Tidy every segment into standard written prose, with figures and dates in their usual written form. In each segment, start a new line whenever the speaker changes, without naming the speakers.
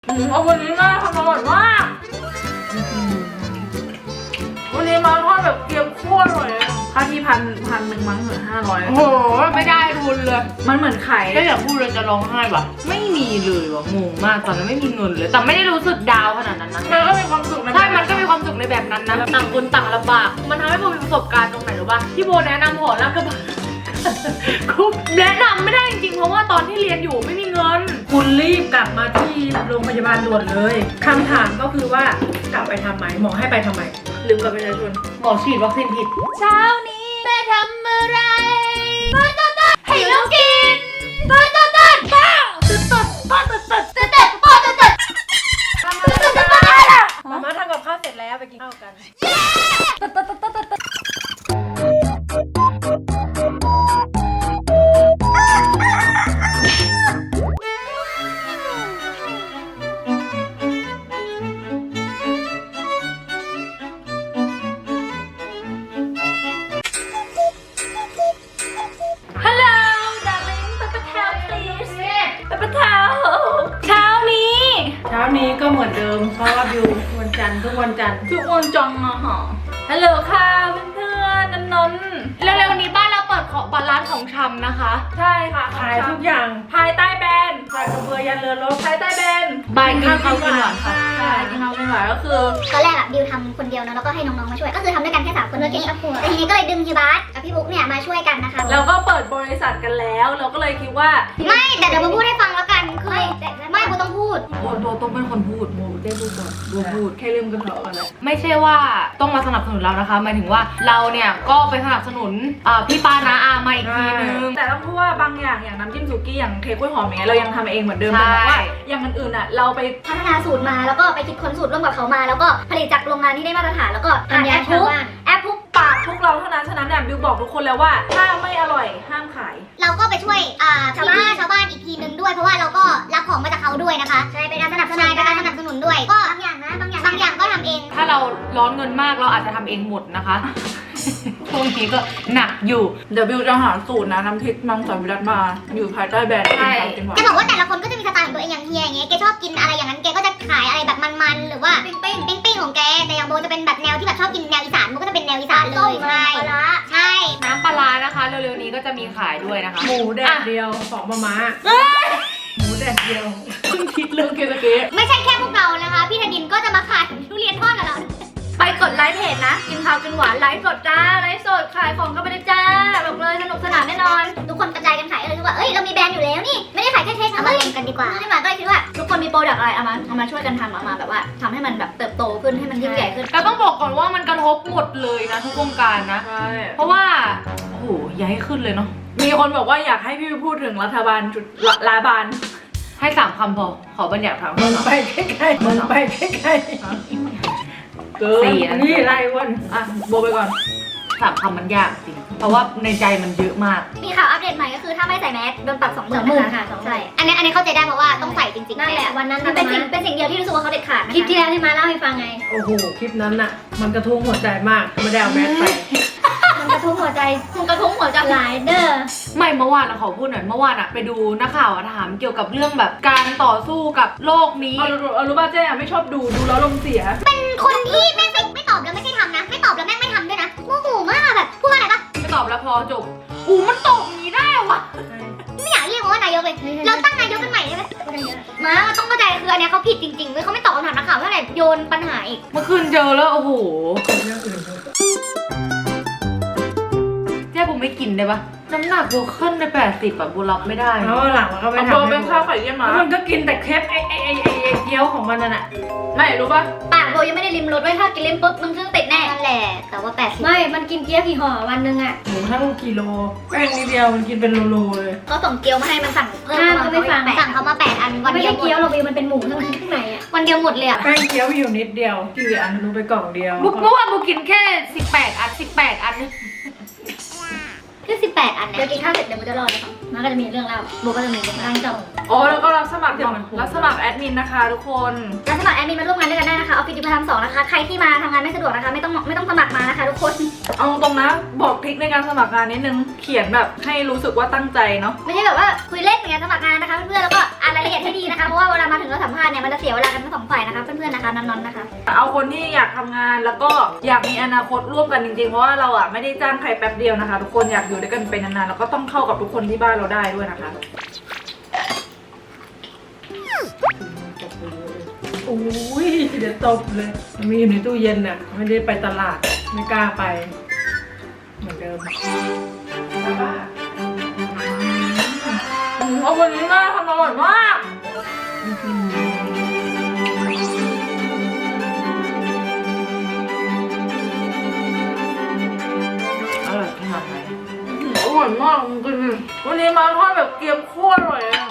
เอาวันนี้น่าทำอร่อยมากวันนี้มาทอดแบบเกรี๊ยวโคตรอร่อยเลยค่าที่พันหนึ่งมั้งเหลือ500
โอ้โหไม่ได้ทุนเลย
มันเหมือนไข่
ก็อย่าพูดเลยจะร้องไห้ว่ะไม่มีเลยว่ะงงมากตอนนั้นไม่มีเงินเลยแต่ไม่ได้รู้สึกดาวขนาดนั้นนะ
มันก็มีความสุข
ใช่มันก็มีความสุขในแบบนั้นนะต่างคนต่างลำบากมันทำให้โบมีประสบการณ์ตรงไหนรู้ป่ะที่โบแนะนำหอแล้วก็คุบแนะนำไม่ได้จริงๆเพราะว่าตอนที่เรียนอยู่ไม่มีเงิน
คุณรีบกลับมาที่โรงพยาบาลด่วนเลยคำถามก็คือว่ากลับไปทำไมหมอให้ไปทำไม
ลืมกับประชาชน
หมอฉีดวัคซีนผิด
เช้านี้แม่ทำอะไรต้นให้ลูกกินต้นป้าต้นป้าต้นป้าต้น
มาม่าทำกับข้าวเสร็จแล้วไปกินข้าวกัน
ฮัลโหล darling ไปประทาว please ไปประทาวเช้านี้
เช้านี้ก็เหมือนเดิมเพราะว่าบิววันจันทร์ทุกวันจันทร์
ทุกคนจังอะค่ะ
ฮัลโหลค่ะเพื่อนๆนนท์
เร็วๆนี้บ้านเราเปิดร้านของชำนะคะ
ใช่ค่ะ
ขายทุกอย่าง
ภายใต้แบรนด์
ขายกระเบือยันเรือรบ
ภายใต้แบรนด์
บายกินข้าวกินหวานค่ะ
ใช่กินข้าวกินหวานก็คือ
ตอนแรกอะบิวทำคนเดียวเนอะแล้วก็ให้น้องๆมาช่วย ก็คือทำด้วยกันแค่3 คนเมื่อกี้แต่ทีนี้ก็เลยดึงฮิบาสกับพี่บุ๊กเนี่ยมาช่วยกันนะคะ
เราก็เปิดบริษัทกันแล้ว เราก็เลยคิดว่า
ไม่แต่เดี๋ยวมาพูดให้ฟังแล้วกันคือไม่บูต้องพูด
โบต้องเป็นคนพูดโบได้พูดก่อนโบพูด
แค่ลืมกันเถอะกันเลย
ไม่ใช่ว่าต้องมาสนับสนุนเรานะคะหมายถึงว่าเราเนี่ยก็ไปสนับสนุนพี่ปานาอามาอีกทีนึง
แต่ต้องพูดว่าบางอย่างน้ำจิ้มสุกี้อย่างเค้กกล้วยหอมอย่างเงี้ยเรายังทำเองเหมือนเดิม
ใช่
แต่ว่าอย่างอื่นๆอะเราไป
พัฒนาสูตรมาแล้วก็ไปคิดค้นสูตรร่วมกับเขามา แล้วก็ผลิตจากโรงงานที่ได้มาตรฐานแล้วก็ผ่านแอปพุก
ปากพวกเราเท่านั้นฉะนั้นเนี่ยบิวบอกทุกคนแล้วว่าถ้าไม่อร่อยห้ามขาย
เราก็ไปช่วยชาวบ้านอีกทีนึงด้วยเพราะว่าเราก็รับของมาจากเขาด้วยนะคะใช่เป็นการสนับสนุนด้วยก็บางอย่างก็ทำเอง
ถ้าเราร้อนเงินมากเราอาจจะทำเองหมดนะคะ ช่วงนี้ก็หนักอยู่
เดี๋ยวบิวจะหาสูตรนะน้ำพริกมังสวิรัตมาอยู่ภายใต้แบรนด์กินข้าวกินหวาน
จะบอกว่าแต่ละคนก็จะมีสไตล์ของตัวเองอย่างเฮียอย่างเงี้ยแกชอบกินอะไรอย่างนั้นแกก็จะขายอะไรแบบมันๆหรือว่าปิ้งของแกแต่อย่างโบจะเป็นแบบแนวที่แบบชอบกินแนวอีสานโบก็จะเป็นแนวอีสานเลยใช่
น้ำปลาร้านะคะเร็วๆนี้ก็จะมีขายด้วยนะคะ
หมูแดดเดียวของมาม่าหมูแดดเดียว
เพิ่งคิดเรื่องเกสเกะ
ไม่ใช่แค่พวกเรานะคะพี่ธนินก็จะมาขายทุเรียนทอดกับเรา
ไปกดไลค์เพจนะกินข้าวกินหวานไลฟ์สดจ้าไลฟ์สดขายของก็ไม่ได้จ้าบอกเลยสนุกสนานแน่นอน
ทุกคนกระจายกันขายเลยคือว่าเอ้ยเรามีแบรนด์อยู่แล้วนี่ไม่ได้ขายแค่เค้กเอามาลงกันดีกว่าที่มาก็เลยคิดว่า
ทุกคนมีโปรดักต์อะไรเอามาช่วยกันทำมาแบบว่าทำให้มันแบบเติบโตขึ้นให้มันยิ่งใหญ่ขึ้น
แต่ต้องบอกก่อนว่ามันกระทบหมดเลยนะทุกวงการนะ
ใช่
เพราะว่าโอ้โหอย่าให้ขึ้นเลยเนาะ
มีคนบอกว่าอยากให้พี่พูดถึงรัฐบาลจุดรัฐบาล
ให้3 คำพอขอบัญญัติคำ
มึง
สาม
ไปใกล้ๆมึงไปใกล้
เกิน
ๆนี่ไรวัน
อ่ะโบไปก่อน
3 คำมันยากจริงเพราะว่าในใจมันเยอะมาก
มีข่าวอัปเดตใหม่ก็คือถ้าไม่ใส่แมสโดนปรับ20,000นะคะใช่อันนี้เข้าใจได้เพราะว่าต้องใส่จริงๆนั่นแหละวันนั้นมันเป็นสิ่งเดียวที่รู้สึกว่าเขาเด็ดขาด
คลิปที่แล้วที่มาเล่าให้ฟังไง
โอ้โหคลิปนั้นน่ะมันกระทุ้งหัวใจมากไม่ได้เอาแมสไป
มันกระทุ้งหัวใจหลายเด้อ
ไม่เมื่อวานนะขอพูดหน่อยเมื่อวานอะไปดูนักข่าวอะถามเกี่ยวกับเรื่องแบบการต่อสู้กับโลกนี้
เอารู้ป่ะเจ๊อะไม่ชอบดูแล้วลมเสีย
คนที่แม่งไม่ตอบแล้วไม่ใช่ทำนะไม่ตอบแล้วแม่งไม่ทำด้วยนะโมโหมากแบบพูดว่าอะไรปะ
ไม่ตอบแล้วพอจบมันตอบอย่างนี้ได้วะ
ไม่อยากเรียกว่านายกเลยเราตั้งนายกกันใหม่ได้ไหมมาต้องเข้าใจคืออันเนี้ยเขาผิดจริงๆเว้ยเขาไม่ตอบคำถามนักข่าวเท่าไหร่โยนปัญหาอีก
เมื่อคืนเจอแล้วโอ้โห
เรื่องอื่นเถอะ
เจ๊ผมไม่กินได้ปะน้ำหนักโบขึ้นไป80อะโบรับไม่ได้
แล้วหลังมันก็ไป
เอาโบ
ทำ
เป็นข้าวไข่เยี่ยมมา
แล้วมันก็กินแต่เคปไอ้เกี๊ยวของมันน่ะ
ไม่รู้ป่ะ
ปากโบยังไม่ได้ริมรสไว้ถ้ากินริมปุ๊บมึงซึ่งติดแน่
นั่นแหละแต่ว่า80
ไม่ มันกินเกี๊ยวกี่ห่อวันหนึงอะ
หมูทั้งกิโลแป้งนิดเดียวมันกินเป็นโลเลย
เขาส่งเกี๊ยวมาให้มันสั่งเพิ่มสั่งเขามา8 อันวัน
ไม่
เดีย
ใช่
วหม
เกี๊ยว
ด
เราบิวมันเป็นหมูทั้งในอะ
วันเดียวหมดเลยอะ
แป้งเกี๊ยวมีอยู่นิดเดียวกี่อันรู้ไปกล่องเดียว
เมื่อวานโบกินแค่18 อัน18 อัน
แค่18 อัน
เดี๋ยว
นะ
กินข้าวเสร็จเดี๋ยวโบจะรอเลยค่ะมันก็จะมีเรื่องเล่าโบก็จะมีเรื่องเล่าจบ
อ๋อแล้วก็รับสมัครแอดมินนะคะทุกคน
แล้วสมัครแอดมินมาร่วมงานด้วยกันได้นะคะออฟฟิศดิพาร์ท2นะคะใครที่มาทำงานไม่สะดวกนะคะไม่ต้องสมัครมานะคะทุกคน
เอาตรงนะบอกทริคในการสมัครงานนิดนึงเขียนแบบให้รู้สึกว่าตั้งใจเนาะ
ไม่ใช่แบบว่าคุยเล่นอย่างเงี้ยสมัครงานนะคะเพื่อนๆแล้วก็อ่านรายละเอียดให้ดีนะคะเพราะว่าเวลามาถึงเราสัมภาษณ์เนี่ยมันจะเสียเวลากันทั้งสองฝ่ายนะคะเพื่อนๆนะคะน้องๆนะคะ
เอาคนที่อยากทำงานแล้วก็อยากมีอนาคตร่วมกันจริงๆเพราะว่าเราอ่ะไม่ได้จ้างใครแป๊บเดียวนะคะทุกคนอยากอยู่ด้วยกันไปนานๆแล้วก็ต้องเข้ากับทุกคนที่บ้านเราได้ด้วยนะคะ
โอ้ยเดี๋ยวตบเลยมีอยู่ในตู้เย็นน่ะไม่ได้ไปตลาดไม่กล้าไปเหมือนเดิม
เอาวันนี้แม่ทำอร่อยมาก
อร่อยขนาดไหน
อร่อยมากจริงๆวันนี้มาทอดแบบเกรียมโคตรอร่อยเลย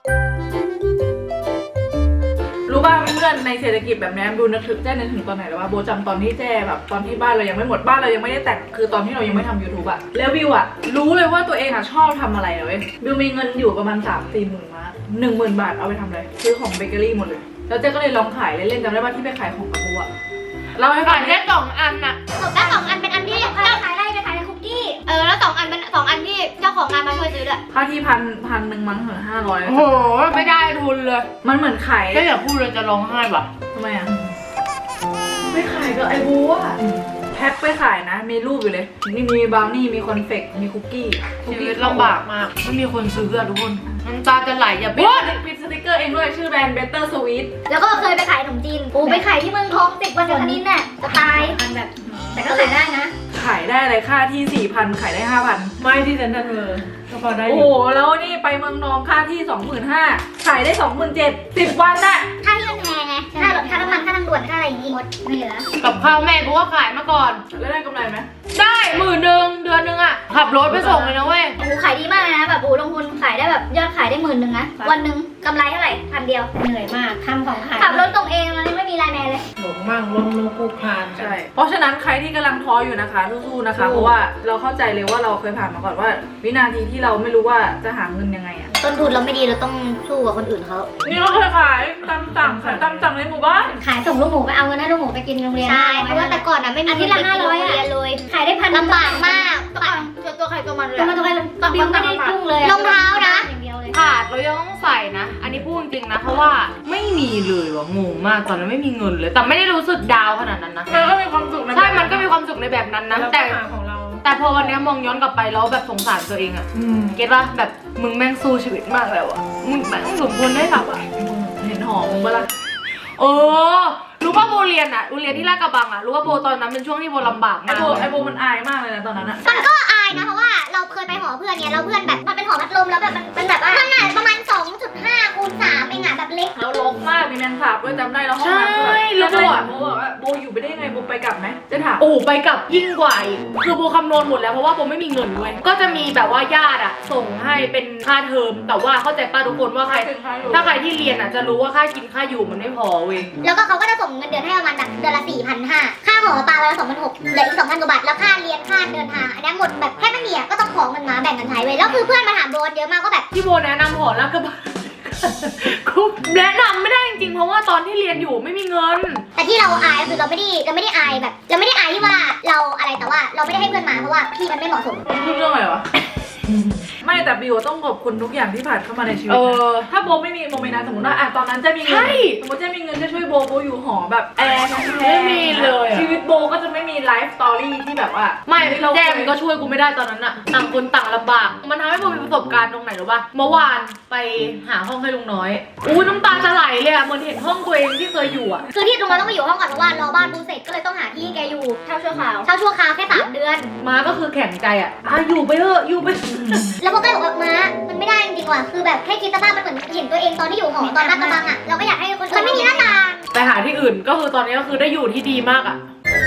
รู้ป่ะเพื่อนในเศรษฐกิจแบบนี้ดูนึกถึงตอนไหนแล้วว่าโบจำตอนที่แจ้แบบตอนที่บ้านเรายังไม่หมดบ้านเรายังไม่ได้แต่งคือตอนที่เรายังไม่ทำ YouTube อะแล้วบิวอะรู้เลยว่าตัวเองอะชอบทำอะไรเลยบิวมีเงินอยู่ประมาณ 3-4 หมื่นมา10,000 บาทเอาไปทำอะไรซื้อของเบเกอรี่หมดเลยแล้วเจ๊ก็เลยลองขายเล่นๆจำได้ป่ะที่ไปขายของกับโบอะเราให้
ขา
ขาย ย
แค่2 อันน่ะ
แล้ว2 อันเป็นอันที่ขายอะไรไปขายในคุกกี้แล้ว2 อันเป็น2 อันที่เจ้าของงานมาช่วยซื้อด้วย
ค่าที่พันหนึ่งมั้งเหรอ500
โอ้โหไม่ได้ทุนเลย
มันเหมือนขาย
แค่อย่าพูดเลยจะร้องไห้ว่ะ
ทำไมอะไม่ขายกับไอ้โบอะแพ็คไปขายนะมีรูปอยู่เลยนี่มีบราวนี่มีคอนเฟกต์มีคุกกี้
ชีวิตลำบากมากไม่มีคนซื้ออะทุกคนน้ำตาจะไหลอย่า
ปิ
พูด
ดสติกเกอร์เองด้วยชื่อแบรนด์ Better Sweet
แล้วก็เคยไปขายขนมจีนไปขายที่เมืองทอง10 วันกับคณินน่ะจะตายแบบแต่ก็ขายได้นะ
ขายได้อะไรค่าที่ 4,000 ขายได้ 5,000
ไม่ที่เซ็นทรัลเวอร์ก็พอได้อ
โอ้
ยู่
โหแล้วนี่ไปเมืองนองค่าที่ 25,000 ขายได้ 27,000 10 วันน่ะ
ค่าที่มันแพงไงค่ารถค่าน้ำมันค่าทางด่วนค่าอะไรอย่างงี้หมดไม่เหลือ
กับข้าวแม่กูก็ขายมาก่อน
แล้วได้กำไรไหม
ได้10,000เดือนนึงอะขับรถไปส่งเลยนะเว้ย
โอ้โหขายดีมากเลยนะแบบโอ้โหลงทุนขายได้แบบยอดขายได้10,000นะวันหนึ่งกำไรเท่าไหร่1,000 เดียว
เหนื่อยมากทำของขาย
ขับรถส่งเองแล้วไม่มีไลน์แมนเลย
หลงมั่งลงคูคลานกัน
ใช่เพราะฉะนั้นใครที่กำลังท้ออยู่นะคะสู้ๆนะคะเพราะว่าเราเข้าใจเลยว่าเราเคยผ่านมาก่อนว่า วินาทีที่เราไม่รู้ว่าจะหาเงินยังไงอะ
ต้นทุนเราไม่ดีเราต้องสู้กับคนอื่นเขา
นี่ก็เคยขายตามสั่งในหมู่บ้าน
ขายส่งลูกหมูไปเอาเงินให้ลูกหมูไปกินโรงเรียนใช่เพราะว่าแต่ก่อนอ่ะไม่มีอาทิตย์ละ500อ่ะเลยขายได้1,000ลำบากมาก
ตัวใครตัวมันเลย
ตัวใครบิวไม่ได้ยุ่งเลยรองเท้านะอย่างเดียวเลย
ขาดเรายังต้องใส่นะ อันนี้พูดจริงๆนะเพราะว่าไม่มีเลยว่ะงงมากตอนนั้นไม่มีเงินเลย แต่ไม่ได้รู้สึกดาวขนาดนั้นนะ
มันก็มีความสุขนะ
ใช่มันก็มีความสุขในแบบนั้นนะ
แล้ว
แต่
ก็หาของเรา
แต่พอวันนี้มองย้อนกลับไปแล้วแบบสงสารตัวเองอะ เก็ตป่ะแบบมึงแม่งสู้ชีวิตมากแล้วอะมึงแม่งสมควรได้รับอะ
เห็นหอมมึงปะล่ะ
เออรู้ป่ะโบเรียนอะโรงเรียนที่ลาดกระบังอะรู้ว่าโบตอนนั้นเป็นช่วงที่โบลำบาก
ไอ
มาก
โบมันอายมากเลยนะตอนนั้นอะ
มันก็อายนะเพราะว่าเราเคยไปหอเพื่อนเนี่ยเราเพื่อนแบบมันเป็นหอพัดลมแล้วแบบมันแบบว่ามันประมาณ 2.5 คูณ 3เองอะแบบเล็ก
แล้วรกมากมีแมงสาบด้วยจำได้แล้วห้องน้ำแล้วโบอะโบบอกว่าโบอยู่ไปได้ยังไงโบไปกลับไหมจะถาม
โอ้ไปกับยิ่งกว่าอีกคือโบคำนวณหมดแล้วเพราะว่าโบไม่มีเงินด้วยก็จะมีแบบว่าญาติอะส่งให้เป็นค่าเทอมแต่ว่าเข้าใจป้าทุกคนว่าใครถ้าใครที่เรียนอะจะรู้ว่าค่ากินค่าอยู่มันไม่พอเว้ย
แล้วก็เขาก็จะส่งเงินเดือนให้ประมาณแบบเดือนละ 4,500 ค่าหอปลาวันละ 2,600 เหลืออีก 2,000 กว่าบาทแล้วค่าเรียนค่าเดินทางอันนี้หมดแบบแค่ไม่มีอ่ะก็ต้องของเงินมาแบ่งกันใช้เว้ยแล้วคือเพื่อนมาถามโบนเยอะมากก็แบบ
ที่โบแนะนำหอแล้วก็กูแนะนำไม่ได้จริงๆเพราะว่าตอนที่เรียนอยู่ไม่มีเงิน
แต่ที่เราอายก็คือเราไม่ได้อายแบบเราไม่ได้อายที่ว่าเราอะไรแต่ว่าเราไม่ได้ให้เพื่อนมาเพราะว่าพี่มันไม่เหมาะสม
พูดเรื่องอะไรวะ ไม่แต่บิวต้องขอบคุณทุกอย่างที่ผ่านเข้ามาในชีวิต
เอ
นะ
อ
ถ้าโบไม่มีโมเมนต์นั้นสมมติว่าตอนนั้นจะมีเงิ
ใช่
สมมติจะมีเงินจะช่วยโบอยู่หอแบบแอร์แพงๆ
ไม่มีเลยอะ
ชีวิตโบก็จะไม่มีไลฟ์สตอรี่ที่แบบว่า
ไม่
เรา
แจมก็ช่วยกูไม่ได้ตอนนั้นอะต่างคนต่างลำบาก มันทำให้โบมีประสบการณ์ตรงไหนหรือปะเมื่อวานไปหาห้องให้ลุงน้อยอู้น้ำตาจะไหลเลยอะเหมือนเห็นห้องตัวเองที่เคยอยู่อะ
คือที่ตรงนั้นต้องไปอยู่ห้องก่อนเพราะว่ารอบ้านปูเสร็จก็เลยต้องหาที่ให้แกอยู่เช่าชั่วคราวแค่3 เดือน
มาก็คือแข็งใจอะอยู่ไปเถอะอยู่ไป
แล้วโบก็เลยบอกว่าม้ามันไม่ได้จริงๆว่ะคือแบบแค่คิดสภาพมันเหมือนเห็นตัวเองตอนที่อยู่หอตอนลาดกระบังอ่ะเราก็อยากให้คนมันไม่มีหน้าต่าง
ไปหาที่อื่นก็คือตอนนี้ก็คือได้อยู่ที่ดีมากอะ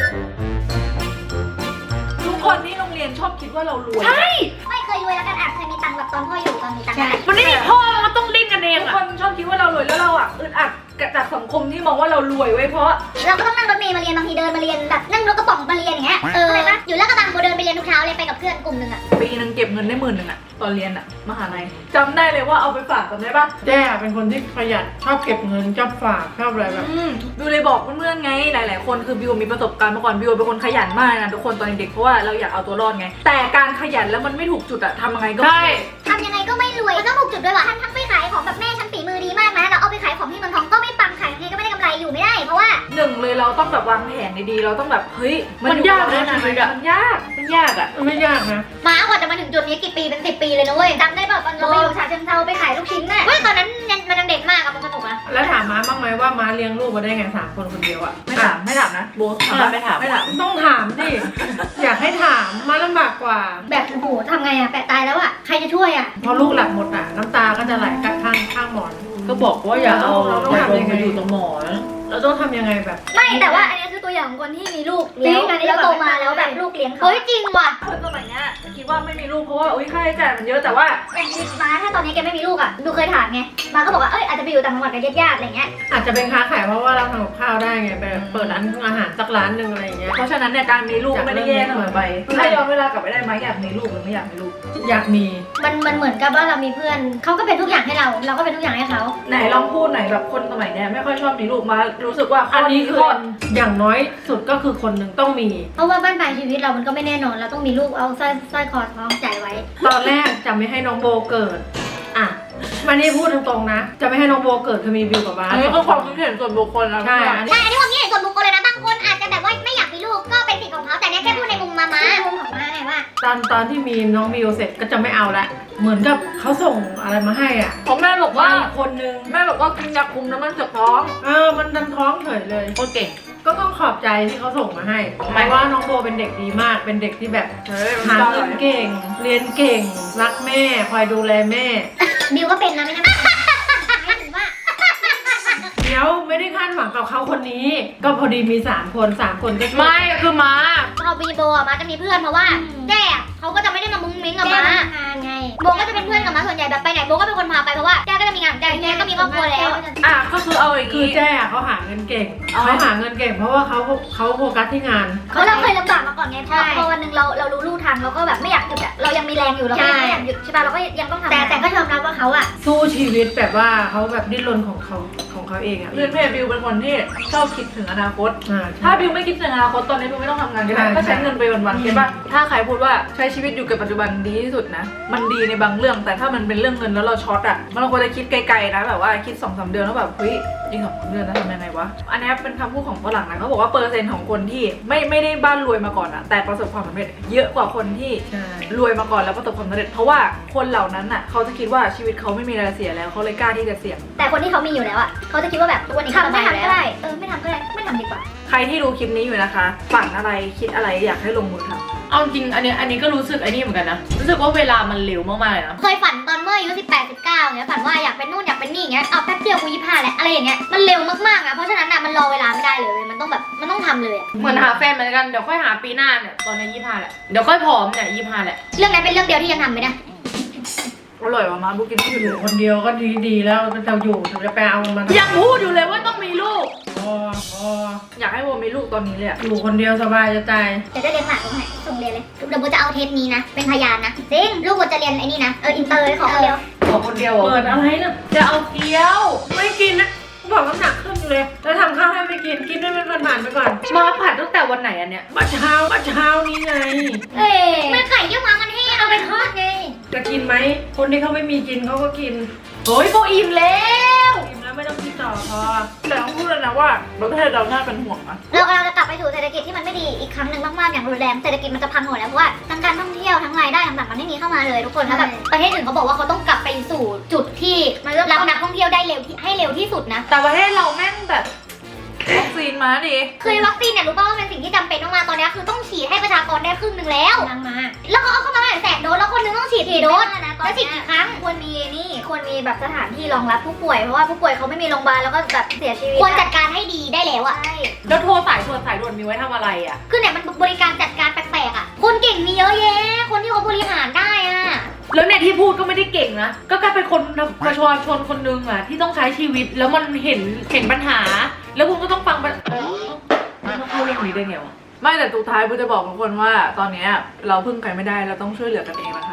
ทุกคนที่โรงเรียนชอบคิดว่าเรารวย
ใช่
ไม่เคยรวยแล้วกันเคยมีตังค์แบบตอนพ่ออยู่ตอนมีตังค์
มันไม่มีพ่อมันต้องดิ้นกันเอง
ทุก
อะ
คนชอบคิดว่าเรารวยแล้วเราอึดอัดจากสังคมที่มองว่าเรารวยไว้เพราะ
เราก็ต้องนั่งรถเมล์มาเรียนบางทีเดินมาเรียนแบบนั่งรถกระป๋องมาเรียนอย่างเงี้ยอะไรปะอยู่ลาดกระบังโบเดินไปเรียนทุกเช้าเลยไปกับเพื่อนกลุ่มหนึ่งอะ
ปีนึงเก็บเงินได้10,000อะตอนเรียนอะมหาลัยจำได้เลยว่าเอาไปฝากจำได้ปะ
แจ้เป็นคนที่ประหยัดชอบเก็บเงินชอบฝากชอบอะไรแบบ
บิวเลยบอกเพื่อนๆไงหลายๆคนคือบิวมีประสบการณ์มาก่อนบิวเป็นคนขยันมากนะทุกคนตอนเด็กๆเพราะว่าเราอยากเอาตัวรอดไงแต่การขยันแล้วมันไม่ถูกจุดอะทำยังไงก็
ใช่
ทำยังไงก็ไม่รวยมันต้องถูกจุดด้วยว่ะทั้งไปขายของแบบแม่ฉันฝีมือดีมากนะเราเอาไปขายของที่เมืองทองก็ไม่ปังขายยังไงก็ไม่ได้กำไรอยู่ไม่ได้เพราะว่า
หนึ่งเลยเราต้องแบบวางแผนดีๆเราต้องแบบเฮ้ย
มันยากนะ
มันยากมันยากอะ
ไม่ยากนะ
ม้ากว่าจะมาถึงจุดนี้กี่ปีเป็น10 ปีเลยนะเว้ยจำได้ป่ะตอนเราไปอยู่ฉะเชิงเทราไปขายลูกชิ้นน่ะเว้ยตอนนั้นมันยังเด็กมากอะมันสนุกอะ
แล้วถามม้าบ้างไหมว่าม้าเลี้ยงลูกมาได้ไง3 คนคนเดียวอะ
ไม่ถามนะโบถามปะไม่ถาม
ต้องถามดิ อยากให้ถามม้าลำบากกว่า
แบบโอ้โหทำไงอะแปะตายแล้วอะใครจะช่วยอะ
พอลูกหลับหมดอะน้ำตาก็จะไหลข้างหมอน
ก็บอกว่าอย่าเอา
เราต้องทำยังไง
มาอยู่ตรงหมอน
เราต้องทำยังไงแบบ
ไม่แต่ว่าอันนี้คือตัวอย่างของคนที่มีลูกแล้วโตมาแล้วแบบลูกเลี้ยงเขาเฮ้ยจริงว่ะ
คนสมัยเนี้ยคิดว่าไม่มีลูกเพราะว่าอุ้ยค่าใช้จ่ายมันเยอะแต่ว่า
อย่างที่ม้าถ้าตอนนี้แกไม่มีลูกอะดูเคยถามไงม้าก็บอกว่าเอ้ยอาจจะไปอยู่ต่างจังหวัดกับญาติๆอะไรเงี้ย
อาจจะเป็นค้าขายเพราะว่าเราทำกับข้าวได้ไงไปเปิดร้านอาหารสักร้านหนึ่งอะไรอย่างเงี้ย
เพราะฉะนั้นเนี่ยการมีลูกไม่ได้แย่เสมอไปถ้าย้อนเวลากลับไปได้ไหมอยากมีลูกหรือไม่อยากมีลูก
อยากมี
มันเหมือนกับว่าเรามีเพื่อนเขาก็เป็นทุกอย่างให้เราเราก็เป็นทุกอย่างให้เขา
ไหนลองพูดหน่อยแบบคนสมัยเนี้ยไม่ค่อยชอบมีลูกมารู้สึกว่าข้
อันนี้คือ
ข้อ
อย่างน้อยสุดก็คือคนหนึ่งต้องมี
เพราะว่าบ้านปลายชีวิตเรามันก็ไม่แน่นอนเราต้องมีลูกเอาสร้อยคอท้องใจไว้
ตอนแรกจะไม่ให้น้องโบเกิด อ่ะมานี่พูดตรงๆนะ จะไม่ให้น้องโบเกิดคือมีบิวกับบ้า
อันนี้ก็ความคิดเห็นส่วนบุคคลนะ
ใช่อันนี้
ใช่อันนี้ความคิดเห็นส่วนบุคคลเลยนะบางคนอาจจะแบบว่าไม่อยากมีลูกก็เป็นสิทธิ์ของเขาแต่เนี้ยแค่พูดในมุมม้ามุมของม้าไงว่า
ตอนที่มีน้องบิวเสร็จก็จะไม่เอาละเหมือนกับเขาส่งอะไรมาให้อ่ะ
ผมแม่บอกว่า
อีกคนนึง
แม่บอกว่ากินยาคุมแล้วมันเจ็บท้อง
มันดันท้องเฉยเลย
โคตรเก่ง
ก็ต้องขอบใจที่เขาส่งมาให้หมายว่าน้องโบเป็นเด็กดีมาก เป็นเด็กที่แบบ
เฮ้ย
หาเงินเก่ง เรียนเก่ง รักแม่ คอยดูแลแม่
บิวก็เป็นนะไม่ใช่ไม่ถึงว่า
เดี๋ยวไม่ได้คาดหวังกับเขาคนนี้ ก็พอดีมี3 คน3 คนก็ช่วย
ไม่คือม้า
พอบีโบอะม้าจะมีเพื่อนเพราะว่าแจ้อะเขาก็จะไม่ได้มามุ้งมิ้งกับม้าทำงานไงโบก็จะเป็นเพื่อนกับม้าส่วนใหญ่แบบไปไหนโบก็เป็นคนพาไปเพราะว่าแจ้ก็จะมีงานของแจ้ก็มีครอบครัวแล้ว
อ่ะก็คือเอาอย่าง
คือ
นี้
แจ้เขาหาเงินเก่ง
อ๋อ
เขาหาเงินเก่ง เพราะว่าเขาโฟกัสที่งาน
เราเคยลำบากมาก่อนไงพอวันหนึ่งเรารู้ลู่ทางเราก็แบบไม่อยากหยุดอะเรายังมีแรงอยู่เราก็ยังไม่อยากหยุดใช่ป่ะเราก็ยังต้องทำแต่ก็ยอมรับว่าเขาอะ
สู้ชีวิตแบบว่าเขาแบบดิ้นรนของเขาเองอ่ะ
เพื่อนบิวเป็นคนที่ชอบคิดถึงอนาคต ถ้าบิวไม่คิดถึงอนาคตตอนนี้บิวไม่ต้องทำงานก็ได้ก็ใช้เงินไปวันๆใช่ป่ะถ้าใครพูดว่าใช้ชีวิตอยู่กับปัจจุบันดีที่สุดนะมันดีในบางเรื่องแต่ถ้ามันเป็นเรื่องเงินแล้วเราช็อตอ่ะมันควรจะคิดไกลๆนะแบบว่าคิด2-3 เดือนแล้วแบบเฮ้ยอีก2 เดือนแล้วทำยังไงวะอันนี้เป็นคำพูดของฝรั่งนะเขาบอกว่าเปอร์เซ็นต์ของคนที่ไม่ได้บ้านรวยมาก่อนอะแต่ประสบความสำเร็จเยอะกว่าคนที่
ใช่
รวยมาก่อนแล้วประสบความสำเร็จเพราะว่าคนเหล่านั้นอ่ะเขาจะคิดว่าชีวิตเขาไม่มีอะไรเสียแล้วเขาเลยกล้าที่จะเสี่ยง
แต่คนที่เขามีอยู่แล้วอ่ะเขาจะคิดว่าแบบทุกวันนี้ทำไม่ทำก็ได้ไม่ทำก็ได้ไม่ทำดีกว่า
ใครที่ดูคลิปนี้อยู่นะคะฝันอะไรคิดอะไรอยากให้ลงมือทำ
เอาจริงอันนี้ก็รู้สึกไอ้นี่เหมือนกันนะ รู้สึกว่าเวลามันเร็วมากๆเลยนะ
เคยฝันตอนเมื่ออายุ18 19เงี้ยฝันว่าอยากเป็นนู่นอยากเป็นนี่เงี้ยเอาแป๊บเดียวกู25แล้วอะไรอย่างเงี้ยมันเร็วมากๆอ่ะเพราะฉะนั้นอ่ะมันรอเวลาไม่ได้เลยมันต้องแบบมันต้องทำเลยอ่ะ
เหมือนหาแฟนเหมือนกัน เดี๋ยวค่อยหาปีหน้าเนี่ย ตอนนี้25แหละ เดี๋ยวค่อยผอมเนี่ย25แหละ
เรื่องนั้นเป็นเรื่องเดียวที่ยังทำไม่ได้
อร่อยว่ะมาบุกินที่
อ
อยู่
ยู่คนเดียวก็ดีแล้วเราอยู่ถึงจะไปเอามัน
ยังพูดอยู่เลยว่าต้องมีลูก
พอ
อยากให้โบมีลูกตอนนี้เลยอะ
อยู่คนเดียวสบายจะตาย
จะได้เรียนหลักตรงไหนส่งเรียนเลยเดี๋ยวโบจะเอาเทปนี้นะเป็นพยานนะจริงลูกโบจะเรียนไอ้นี่นะอินเตอร์เลยขอคนเดียว
ขอคนเดียวเหรอ
เปิดอะไรนะ
จะเอาเกี๊ยว
ไม่กินนะบอกน้ำหนักขึ้นเลย แล้วทำข้าวให้ไม่กินให้มันผ่านไปก่อน
มาผัดตั้งแต่วันไหนอันเนี้ย
เมื่อเช้านี้ไง
เอ้ยเมื่อไข่เยี่ยวม้ามันแห้งเอาไปทอดไง
จะกินไหมคนที่เขาไม่มีกินเขาก็กิน
โอ้ยโบอิ่มแล้ว
กินแล้วไม่ต้องกินต่อพอ
แต่ต้องพูดเลยนะว่าประเทศเราน่าเป็นห่วงนะ
เรากำลังจะกลับไปสู่เศรษฐกิจที่มันไม่ดีอีกครั้งหนึ่งมากๆอย่างรุนแรงเศรษฐกิจมันจะพังหมดแล้วเพราะว่าทั้งการท่องเที่ยวทั้งรายได้ต่างๆมันไม่มีเข้ามาเลยทุกคนแล้วแบบประเทศอื่นเขาบอกว่าเขาต้องกลับไปสู่จุดที่รับนักท่องเที่ยวได้เร็วให้เร็วที่สุดนะ
แต่ประเทศเราแม่งแบบ
วัคซีนมาดิ
คือวัคซีนเนี่ยรู้ป่าวว่าเป็นสิ่งที่จำเป็นมากๆตอนนี้คือต้องฉีดให้ประชากรได้ครึ่งหนึ่งแล้วดังมาแล้วเขาเอาเข้ามาให้100,000 โดสแล้วคนหนึงต้องฉีดกี่โดสแล้วฉีดกี่ครั้งควรมีแบบสถานที่รองรับผู้ป่วยเพราะว่าผู้ป่วยเขาไม่มีโรงพยาบาลแล้วก็แบบเสียชีวิตควรจัดการให้ดีได้แล้วอะ
แล้วโทรสายด่วนมีไว้ทำอะไรอ่ะ
คือเนี่ยมันบริการจัดการแปลกๆอะคนเก่งมีเยอะแยะคนที่เขาบริหารได้อะ
แล้วเนี่ยที่พูดก็ไม่ได้เก่งนะ ก็แค่เป็นคนประชาชนคนนึงอะที่ต้องใช้ชีวิตแล้วมันเห็นปัญหา แล้วคุณก็ต้องฟังมันเข้าเรื่องนี้ได้ไงวะ
ไม่แต่สุดท้ายบูจะบอกทุกคนว่าตอนเนี้ยเราพึ่งใครไม่ได้เราต้องช่วยเหลือกันเองนะคะ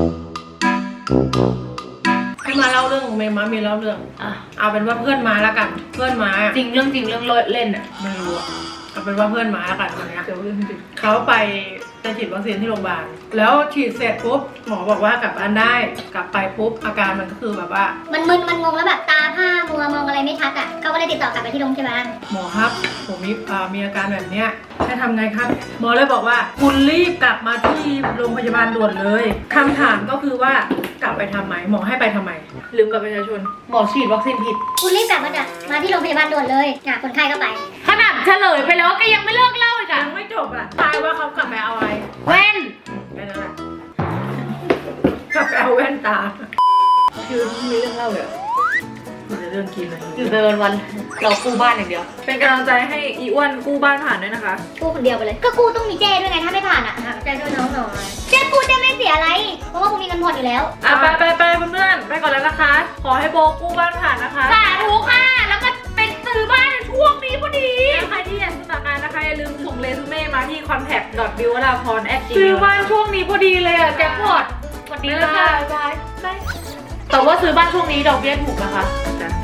ให้มาเล่าเรื่องของเมย์มามีเล่าเรื่อง
อ่ะ
เอาเป็นว่าเพื่อนมาแล้วกัน เพื่อนมา
จริงเรื่องเล่นอะ
ไม่รู้อะเอาเป็นว่าเพื่อนมาแล้วกันคนเนี้ย
เดี๋ยวเรื่องจริง
เขาไปฉีดวัคซีนที่โรงพยาบาลแล้วฉีดเสร็จปุ๊บหมอบอกว่ากลับบ้านได้กลับไปปุ๊บอาการมันก็คือแบบว่า
มันมึนมันงงแล้วแบบตาผ้ามัวมองอะไรไม่ชัดอ่ะเขาก็เลยติดต่อกลับไปที่โรงพยาบาล
หมอครับผมมีอาการแบบเนี้ยให้ทำไงครับหมอเลยบอกว่าคุณรีบกลับมาที่โรงพยาบาลด่วนเลยคำถามก็คือว่ากลับไปทำไมหมอให้ไปทำไม
ลืมกับประชาชน
หมอฉีดวัคซีนผิด
คุณรีบกลับมาที่โรงพยาบาลด่วนเลยคนไข้ก็ไป
ขนาดเฉลยไปแล้วก็ยังไม่เลิกเล่าอีกอะ
ยังไม่จบอ่ะตายว่าเขากลับไปเอาอะไร
แว่น
แค่นั้นแหละกลับไปเอาแว่นตา
คือมีเรื่องเล่าเลยเหรอ
มันจะเรื่องกินอะไร
อยู่เดินวันเรากู้บ้านอย่างเดียว
เป็นกำลังใจให้อีอ้วนกู้บ้านผ่านด้วยนะคะ
กู้คนเดียวไปเลย ก็กู้ต้องมีเจ้ด้วยไงถ้าไม่ผ่านอ่ะเจ้ด้วยน้องหน่อยเจ้กู้เจ้ไม่เสียอะไร เพราะว่ากูมีเงินผ่อนอยู่แล้ว
อ่ะไปเพื่อนๆไปก่อนแล้วนะคะ ขอให้โบกู้บ้านผ่านนะคะ
สาธุค่ะ แล้วก็เป็นซื้อบ้านในช่วงนี้พอดี
ใครที่อยากสมัครงานนะคะอย่าลืมส่งเรซูเม่มาที่ contact.biwalapon@gmail
ซื้อบ้านช่วงนี้พอดีเลยอะแจ็คพอตสวัสดีค่ะ
บาย
แต่ว่าซื้อบ้านช่วงนี้ดอกเบี้ยถูกนะคะ
จ้ะ